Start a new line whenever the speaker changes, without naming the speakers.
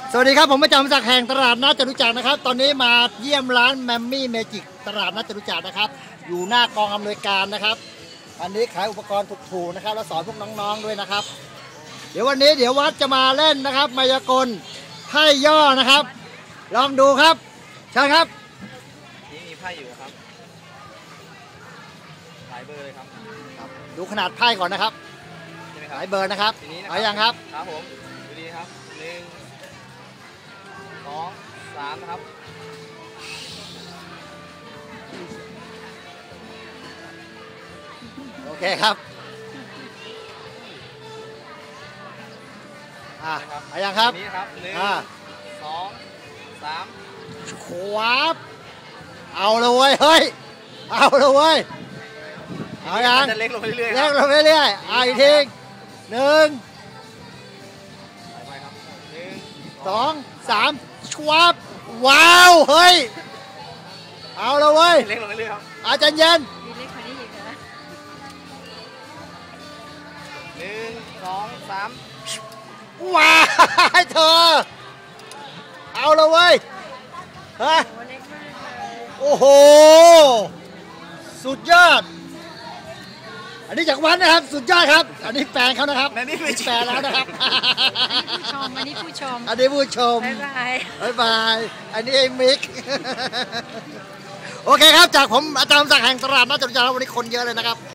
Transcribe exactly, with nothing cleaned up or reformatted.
สวัสดีครับผมประจำจากแห่งตลาดนัดจตุจักรนะครับตอนนี้มาเยี่ยมร้านแมมมี่เมจิกตลาดนัดจตุจักรนะครับอยู่หน้ากองอำนวยการนะครับอันนี้ขายอุปกรณ์ถูกๆนะครับแล้วสอนพวกน้องๆด้วยนะครับเดี๋ยววันนี้เดี๋ยววัดจะมาเล่นนะครับมายากลไพ่ย่อนะครับลองดูครับเชิญครับ
นี่มีไพ่อยู่ครับหลายเบอร์เลยครับ
ดูขนาดไพ่ก่อนนะครับหลายเบอร์นะครับเอาอย่างครับ
ครับผมดูดีครับหนึ่งสองสามนะครับ
โอเคครับอ่ะเอาอย่างครับ
นี่ครับหนึ่งสองสาม
ขวาบเอาเลยเว้ยเฮ้ยเอาเลยเว้ยเอาอย่าง
เล็กลงไปเรื่อยๆ
เล็กลงไปเรื่อยๆอ่ะอีกทีหนึ่งสองสามชวับว้าวเฮ้ยเอาเลยเว้ย
เล็กลงไปเรื่อยครับ
อาจารย์เย็น
เล็กกว่านี้อีกนะ
หนึ่งสองสาม
ว้าวเธอเอาเลยเว้ยฮะโอ้โหสุดยอดอันนี้จากวัดนะครับสุดยอดครับอันนี้แฟนเขานะครับ
อันนี้ไม่
แฟนแล้วนะครับ
ผู้ชมอันนี้ผู้ชม
อันนี้ผู้ชม
บ๊ายบาย
บ๊ายบายอันนี้ไอ้มิกโอเคครับจากผมอาจารย์ศักดิ์แห่งตลาดนัดจตุจักรวันนี้คนเยอะเลยนะครับ